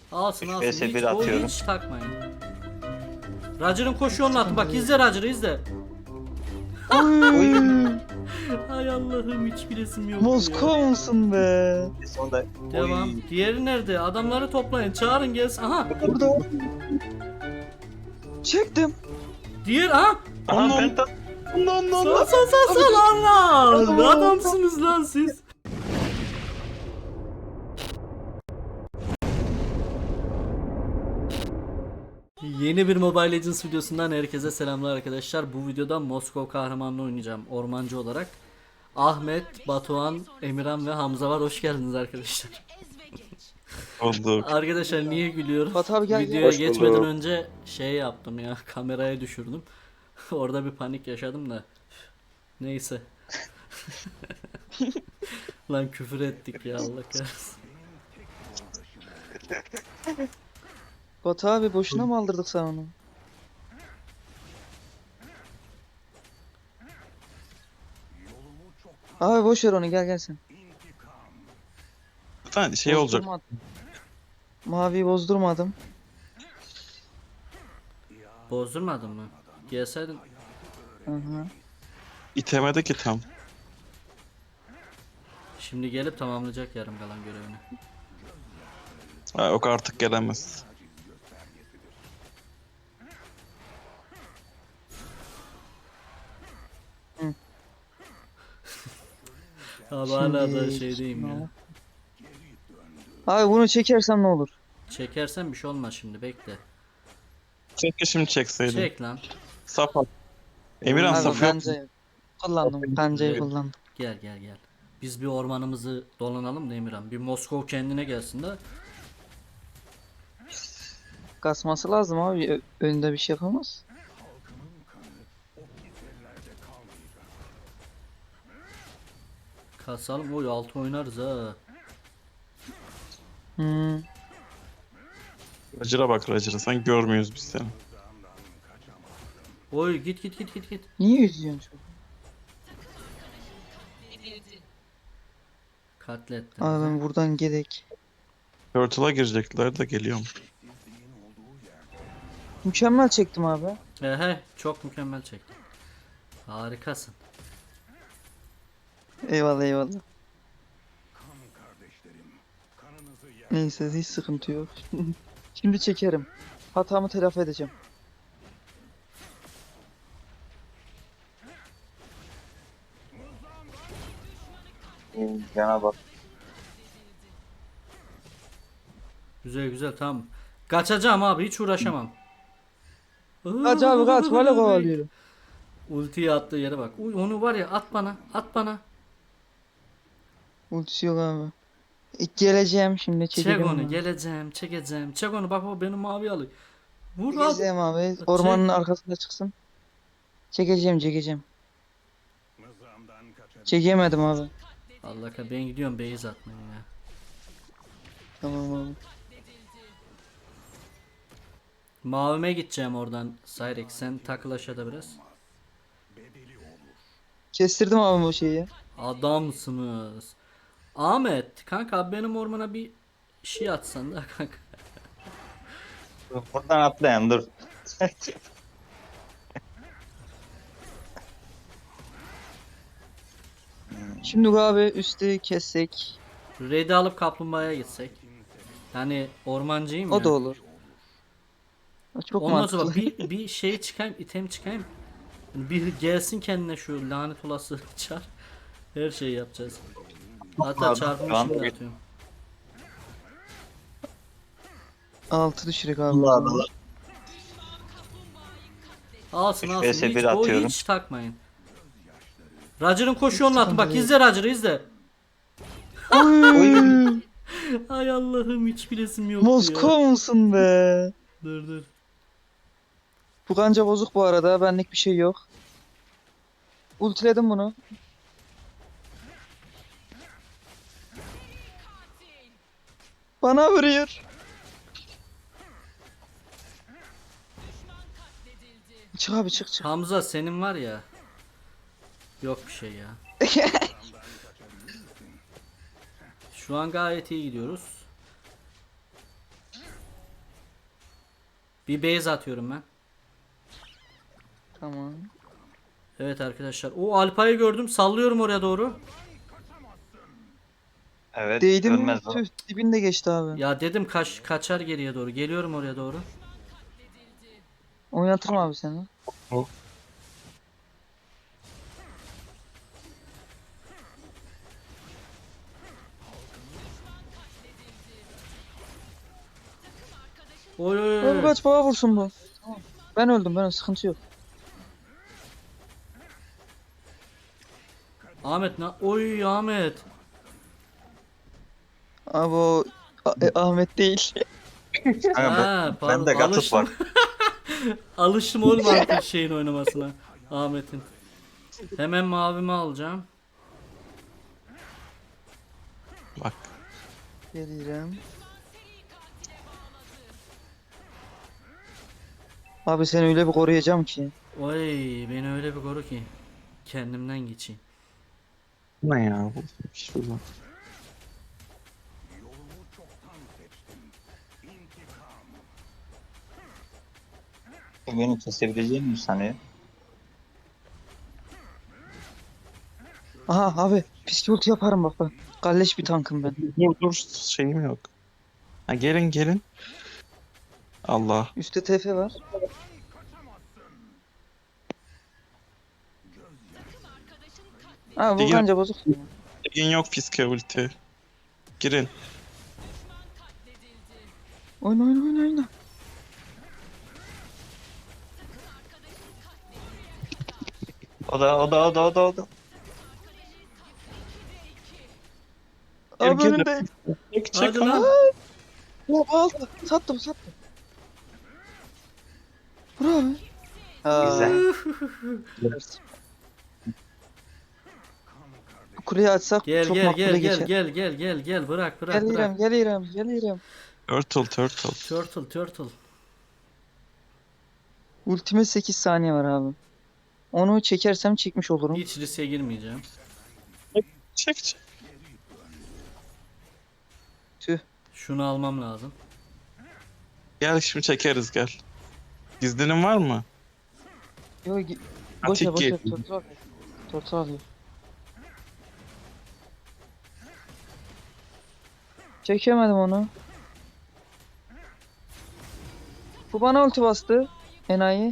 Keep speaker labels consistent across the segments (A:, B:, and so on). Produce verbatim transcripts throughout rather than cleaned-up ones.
A: Alsın alsın.
B: üç vs
A: Hiç,
B: bir
A: o
B: atıyorum.
A: hiç takmayın. Roger'ın koşu yolunu attı. Bak izle Roger'ı izle.
C: Oy.
A: Ay Allah'ım hiç bilesim yok ya.
C: Moskova musun be?
B: Sonunda
A: Devam.
B: Oy.
A: Diğeri nerede? Adamları toplayın. Çağırın gelsin. Aha.
C: Burada. Çektim.
A: Diğer aha.
B: Aha penta.
C: Lan lan
A: Sal
C: lan.
A: sal sal sal Allah. Ne adamsınız lan siz. Yeni bir Mobile Legends videosundan herkese selamlar arkadaşlar. Bu videoda Moskova kahramanını oynayacağım ormancı olarak. Ahmet, Batuhan, Emirhan ve Hamza var. Hoş geldiniz arkadaşlar.
B: Olduk.
A: Arkadaşlar niye gülüyorum?
C: Batu abi gel, gel.
A: Videoya
B: Hoş
A: geçmeden
B: bulduk.
A: önce şey yaptım ya, kameraya düşürdüm. Orada bir panik yaşadım da. Neyse. Lan küfür ettik ya Allah kahretsin.
C: Batu abi boşuna mı aldırdık sana onu? Abi boş ver onu, gel gel sen.
B: Zaten şey olacak.
C: Bozdurmadım. Maviyi bozdurmadım.
A: Bozdurmadın mı? Gelseydin.
C: Hı hı.
B: İtemedi ki tam.
A: Şimdi gelip tamamlayacak yarım kalan görevini.
B: Ha, yok artık gelemez.
A: Abi hala da
C: Şimdi-
A: şeydeyim ya.
C: Abi bunu çekersem ne olur?
A: Çekersen bir şey olmaz şimdi bekle.
B: Keşke şimdi çekseydin.
A: Çek lan.
B: Saf at. Emirhan
C: Abi
B: saf yok.
C: kancayı kullandım. Kancayı
A: Evet.
C: kullandım.
A: Gel gel gel. Biz bir ormanımızı dolanalım da Emirhan. Bir Moskova kendine gelsin de.
C: Kasması lazım abi. Ö- önünde bir şey yapamaz.
A: Kasalım. Oy altı oynarız ha.
C: Hmm.
B: Roger'a bak Roger'a. Sen görmüyoruz biz seni.
A: Oy git git git git git.
C: Niye üzüyorsun çocuğu?
A: Katlettin.
C: Abi ben buradan gidek.
B: Turtle'a girecekler de geliyorum.
C: Mükemmel çektim abi.
A: He he çok mükemmel çektin. Harikasın.
C: Eyvallah eyvallah. Neyse hiç sıkıntı yok. Şimdi çekerim. Hatamı telafi edeceğim.
B: Yana bak.
A: Güzel güzel tamam. Kaçacağım abi hiç uğraşamam.
C: Kaç abi kaç. Valla kovalıyorum.
A: Ultiyi attığı yere bak. Uy onu var ya at bana at bana.
C: Ultisi yok abi. E, geleceğim şimdi
A: Çek
C: çekelim.
A: onu geleceğim çekeceğim. Çek onu bak o benim mavi alıyor. Vur at.
C: Geleceğim abi. Ormanın arkasında çıksın. Çekeceğim çekeceğim. Çekemedim abi.
A: Allah kahretsin ben gidiyorum base atmaya ya.
C: Tamam abi.
A: Mavime gideceğim oradan Cyrex sen takıl aşağıda biraz.
C: Kestirdim abi bu şeyi.
A: Adamsınız. Ahmet kanka benim ormana bir şey atsan da kanka.
B: Buradan atlayan dur.
C: Şimdi abi üstü kessek.
A: Red'i alıp kaplumbağaya gitsek. Yani ormancıyım
C: O
A: ya.
C: da olur. O çok
A: Ondan sonra
C: mantıklı.
A: bir, bir şey çıkayım, item çıkayım. Bir gelsin kendine şu lanet olası çar. Her şeyi yapacağız. Hatta çarpımı
B: Tamam.
A: şimdi atıyorum.
C: Altı düşürük abi.
B: Allah Allah.
A: Alsın
B: üç
A: alsın.
B: vs
A: Hiç,
B: bir
A: o
B: atıyorum.
A: hiç takmayın. Roger'ın koşu yolunu attı. Bak izle Roger'ı izle.
C: Oy.
A: Ay Allah'ım hiç bilesim yoktu ya.
C: Moskova musun be?
A: Dur dur.
C: Bu kanca bozuk bu arada. Benlik bir şey yok. Ultiledim bunu. Bana vuruyor. Çık abi çık çık.
A: Hamza senin var ya. Yok bir şey ya. Şu an gayet iyi gidiyoruz. Bir base atıyorum ben.
C: Tamam.
A: Evet arkadaşlar. O Alpay'ı gördüm. Sallıyorum oraya doğru.
D: Evet.
C: Değdi mi?
D: ölmez o.
C: Tüh, dibinde geçti abi.
A: Ya dedim kaç kaçar geriye doğru. Geliyorum oraya doğru.
C: Oynatırım abi seni.
A: Oy oy oy.
C: Abi kaç bana vursun bu. Tamam. Ben öldüm ben sıkıntı yok.
A: Ahmet ne? Oy Ahmet.
C: Abi o A- e, Ahmet değil.
D: Kanka, ben,
A: Ha, pardon.
D: ben de gatıt
A: Alıştım.
D: var.
A: Alıştım oğlum artık şeyin oynamasına. Ahmet'in. Hemen mavimi alacağım.
B: Bak.
C: Gelirim. Abi seni öyle bir koruyacağım ki.
A: Oy beni öyle bir koru ki. Kendimden geçeyim.
B: Ne ya bu? Şurada.
D: Beni kesebileceğini mi sanıyor?
C: Aha abi pistol yaparım bak ben. Kalleş bir tankım ben.
B: Dur dur şeyim yok. Ha gelin gelin. Allah.
C: Üstte T F var. Ha bu
B: Değil.
C: kanca bozuk.
B: Ligin yok fiske ulti. Girin.
C: Oyna oyna oyna oyna.
D: O da o da o da o da o da.
B: Gel,
C: Abi
B: gel.
C: önünde.
B: Çek çek
A: Hadi
B: ama.
A: lan.
C: Ya aldı. Sattım sattım. Vur abi.
D: Güzel.
C: Bu kuleyi açsak
A: Gel
C: çok
A: gel
C: makbule
A: gel gel
C: geçer.
A: gel gel gel gel bırak bırak
C: Gelirim
A: bırak.
C: gelirim gelirim.
B: Turtle turtle.
A: Turtle turtle.
C: Ultime sekiz saniye var abi. Onu çekersem çekmiş olurum.
A: Hiç riske girmeyeceğim.
B: Çek çek.
C: Tüh.
A: Şunu almam lazım.
B: Gel şimdi çekeriz gel. Gizlinin var mı?
C: Yok gi- boş ver
B: Atik
C: boş ver.
B: gel.
C: Tortu alıyor. Tortu alıyor. Çekemedim onu. Bu bana ulti bastı. Enayi.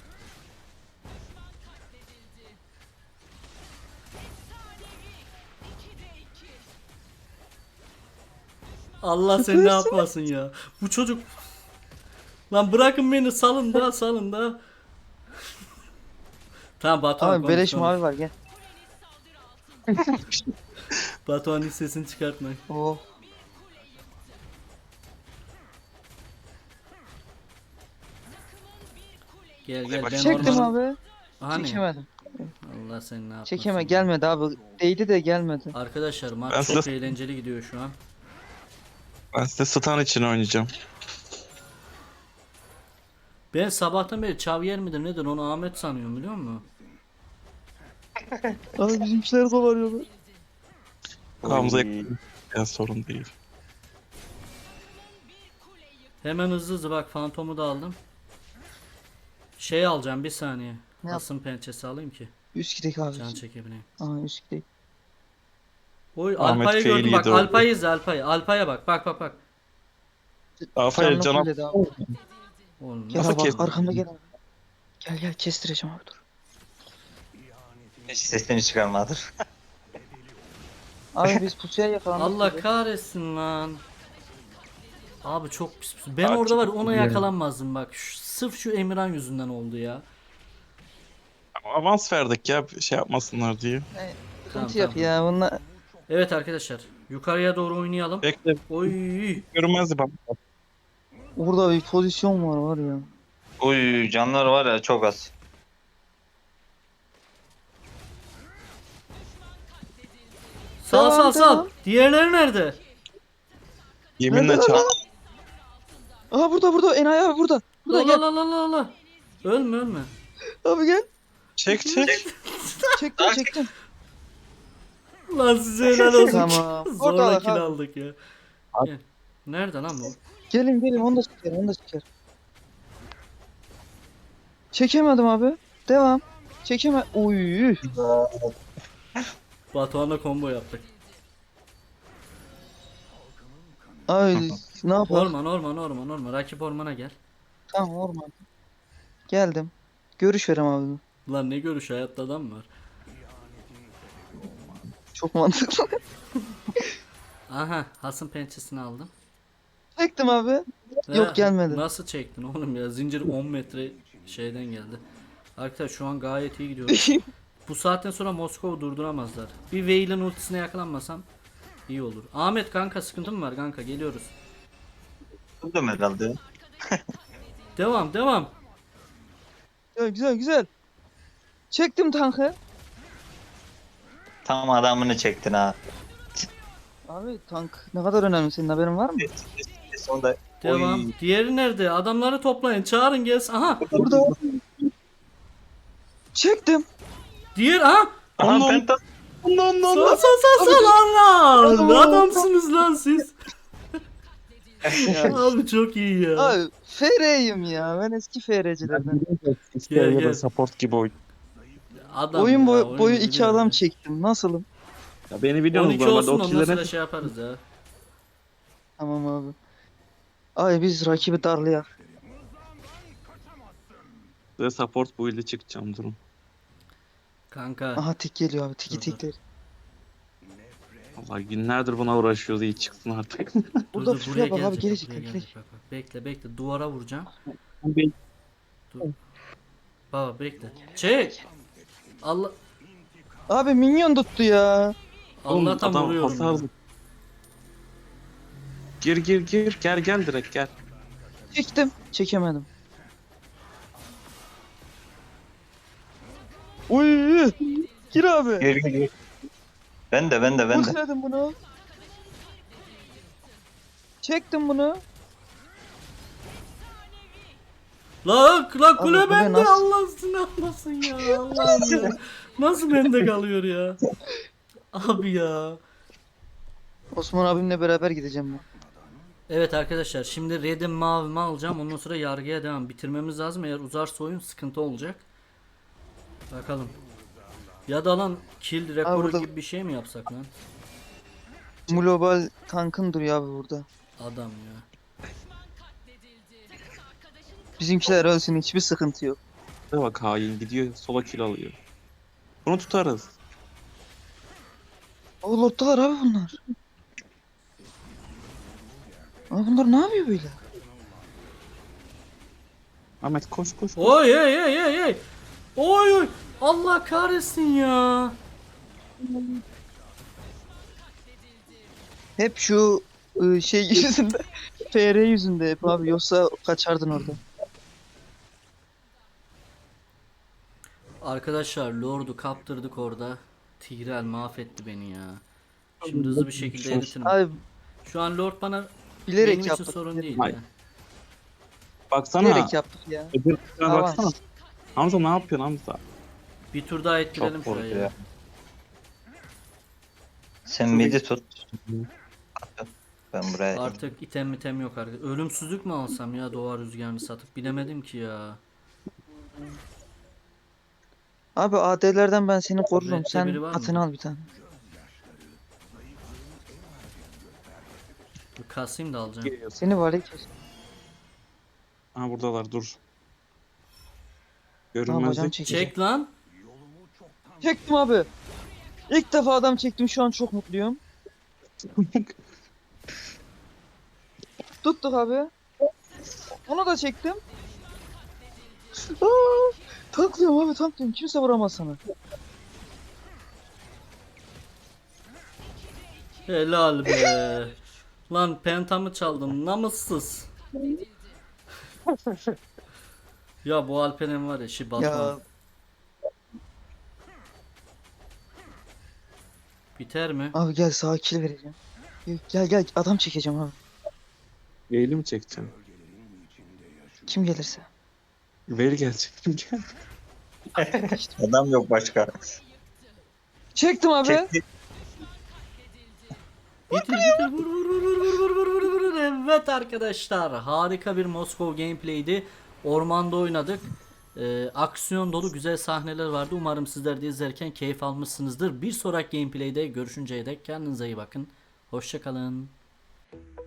A: Allah seni ne yapmasın ya. Bu çocuk. Lan bırakın beni salın da salın da. Tamam Batuhan
C: Abi
A: konuş,
C: beleş
A: konuş.
C: mavi var gel.
A: Batuhan hiç sesini çıkartma.
C: Oh.
A: Gel gel ben
C: Çektim
A: orman...
C: abi.
A: Hani?
C: Çekemedim.
A: Allah seni ne yapmasın.
C: Çekeme gelmedi abi. Değdi de gelmedi.
A: Arkadaşlar maç
B: Ben
A: çok
B: size-
A: eğlenceli gidiyor şu an.
B: Ben size stun için oynayacağım.
A: Ben sabahtan beri Xavier midir nedir onu Ahmet sanıyorum biliyor musun?
C: Abi bizimkiler kovalıyorlar.
B: Hamza
D: Oy.
B: ya sorun değil.
A: Hemen hızlı hızlı bak fantomu da aldım. Şey alacağım bir saniye.
C: Ne yap-
A: Asım pençesi alayım ki
C: Üst gidek abi.
A: can çekebileyim.
C: Aa üst gidek.
A: Oy
B: Ahmet
A: Alpay'ı gördüm
B: fail
A: bak
B: yedi orada.
A: Alpay'ı izle Alpay'ı. Alpay'a bak bak bak bak.
B: Aferin
C: Canlı
B: canım.
C: fulledi abi.
A: Oğlum
C: Gel
B: Nasıl
C: abi bak
B: kestin?
C: arkamda gel abi. Gel gel kestireceğim abi dur.
D: Hiç sesini çıkarmadır.
C: Abi biz pusuya yakalandık.
A: Allah
C: gibi.
A: kahretsin lan. Abi çok pis. pis. Ben
B: Abi
A: orada
B: çok
A: var ona
B: iyi.
A: yakalanmazdım bak. Şu- sırf şu Emirhan yüzünden oldu ya.
B: Avans verdik ya şey yapmasınlar diye.
C: Sıkıntı
A: Tamam,
C: yok
A: tamam.
C: ya bunlar.
A: Evet arkadaşlar yukarıya doğru oynayalım.
B: Bekle
A: Oy.
B: görünmezdi bak.
C: Burada bir pozisyon var var ya.
D: Uy canlar var ya çok az.
A: Sal
C: Tamam,
A: sal sal.
C: tamam.
A: Diğerleri nerede?
B: Yeminle
C: Nerede
B: çal.
C: lan? Aha burada burada enayi abi burada. Burada
A: La
C: gel.
A: la la la la. Ölme ölme.
C: Abi gel.
B: Çek çek.
C: Çektim çektim.
A: Lan size helal olsun.
C: Tamam.
A: Zorla
C: Orada
A: kill
C: abi.
A: aldık ya. Gel. Nerede lan bu?
C: Gelin gelin onu da çeker onu da çeker. Çekemedim abi. Devam. Çekeme. Uy.
A: Batuhan'la combo yaptık.
C: Ay ne yapalım?
A: Orman orman orman orman. Rakip ormana gel.
C: Tamam orman. Geldim. Görüş verem abi.
A: Lan ne görüş, hayatta adam var.
C: Çok mantıklı.
A: Aha, Has'ın pençesini aldım.
C: Çektim abi.
A: Ve
C: Yok, gelmedi.
A: Nasıl çektin oğlum ya? Zincir on metre şeyden geldi. Arkadaşlar şu an gayet iyi gidiyor. Bu saatten sonra Moskova durduramazlar. Bir Veil'in ultisine yakalanmasam iyi olur. Ahmet kanka, sıkıntı mı var kanka? Geliyoruz.
D: Buldum herhalde.
A: Devam devam.
C: Güzel güzel güzel. Çektim tankı.
D: Tam adamını çektin ha.
C: Abi tank ne kadar önemli, senin haberin var mı?
D: Sonunda
A: Devam.
D: Oy.
A: Diğeri nerede? Adamları toplayın. Çağırın gelsin. Aha.
C: Burada. Çektim.
A: Diğer aha.
D: Aha penta.
C: Ondan
A: Sal sal sal sal Allah. Adamsınız lan siz. Abi çok iyi ya.
C: Abi F R'yim ya. Ben eski F R'cilerden.
A: Gel,
B: Ya
A: gel.
B: da support gibi oyun.
A: Adam
C: Oyun
A: ya,
C: boyu,
A: oyunu
C: boyu iki
A: biliyor
C: adam
A: ya.
C: çektim. Nasılım?
B: Ya beni
A: on
B: biliyorsunuz
A: iki
B: normalde
A: olsun,
B: o
A: ondan sonra
B: killere
A: şey yaparız ya.
C: Tamam abi. Ay biz rakibi darlayak.
B: size support bu ile çıkacağım durum.
A: Kanka.
C: Aha tik geliyor abi. Tiki
A: Dur, dur.
C: tikleri.
B: Vallahi günlerdir buna uğraşıyoruz, iyi çıksın artık.
A: Dur,
C: Burada
A: dur,
C: şuraya bak abi,
A: gelecek,
C: gelecek,
A: buraya
C: gelecek.
A: gelecek. Bak, bak. Bekle bekle, duvara vuracağım.
B: Ben-
A: Baba bekle. Çek. Allah
C: Abi minyon tuttu ya.
B: Oğlum,
A: Allah'tan
B: adam
A: vuruyorum.
B: hasar-
A: ya.
B: Gir gir gir, gel gel direkt gel.
C: Çektim. Çekemedim. Uy. Gir abi.
D: Gir gir gir. Ben de ben de ben de.
C: Ultiledim bunu. Çektim bunu.
A: La la kule
C: Abi, bu ne,
A: bende,
C: nasıl-
A: Allah seni almasın ya. Allah'ım ya. Nasıl bende kalıyor ya? Abi ya.
C: Osman abimle beraber gideceğim ben.
A: Evet arkadaşlar, şimdi Red'im mavimi alacağım, ondan sonra yargıya devam. Bitirmemiz lazım, eğer uzarsa oyun sıkıntı olacak. Bakalım. Ya da lan kill rekoru
C: burada-
A: gibi bir şey mi yapsak lan?
C: Global tankın duruyor abi burada.
A: Adam ya.
C: Bizimkiler ölsün, hiçbir sıkıntı yok.
B: Şuraya bak, hain gidiyor sola kill alıyor. Bunu tutarız.
C: O lottalar abi bunlar. Abi bunlar ne yapıyor böyle?
B: Ahmet koş koş. koş.
A: Oy ey ey ey ey. Oy oy. Allah kahretsin ya.
C: Hep şu ıı, şey yüzünde. F R yüzünde hep abi, yoksa kaçardın orada.
A: Arkadaşlar Lord'u kaptırdık orada. Tigreal mahvetti beni ya. Şimdi hızlı bir şekilde eritirim.
C: Abi
A: Şu an Lord bana
C: bilerek
A: benim için
C: yaptık.
A: sorun değil
B: Hayır.
A: ya.
B: Baksana.
C: Bilerek yaptık ya.
B: Öbür tarafa
C: Tamam.
B: baksana. Hamza ne yapıyorsun Hamza?
A: Bir tur daha ettirelim
D: Çok
A: şurayı.
D: vurdu
A: Ya.
D: ya. Sen midi tut. Ben buraya.
A: Artık item item yok artık. Ölümsüzlük mü alsam ya, doğa rüzgarını satıp, bilemedim ki ya.
C: Abi A D'lerden ben seni korurum.
A: Red'de biri
C: Sen
A: var mı?
C: atını al bir tane.
A: Bir kasayım da alacağım.
B: Geliyor.
C: Seni var ya kes.
B: Ha buradalar, dur.
C: Tamam hocam,
B: Görünmezlik.
C: çekeceğim.
A: Çek lan.
C: Çektim abi. İlk defa adam çektim, şu an çok mutluyum. Tuttuk abi. Onu da çektim. Aa, tanklıyorum abi, tanklıyorum. Kimse vuramaz sana.
A: Helal be. Lan pentamı çaldım, namussuz. Ya bu Alperen var ya, şi
C: Ya
A: Batuhan. Biter mi?
C: abi gel, sağa kill vereceğim. Gel gel, adam çekeceğim abi.
B: Veil'i mi çekeceksin?
C: Kim gelirse.
B: Veil gelecek. Gel.
D: Adam yok başka.
C: Çektim abi.
D: Çekti.
A: Bitir bitir, vur vur vur vur vur vur vur vur vur. Evet arkadaşlar, harika bir Moskov gameplay'di. Ormanda oynadık. Ee, aksiyon dolu güzel sahneler vardı. Umarım sizler de izlerken keyif almışsınızdır. Bir sonraki gameplay'de görüşünceye dek kendinize iyi bakın. Hoşçakalın.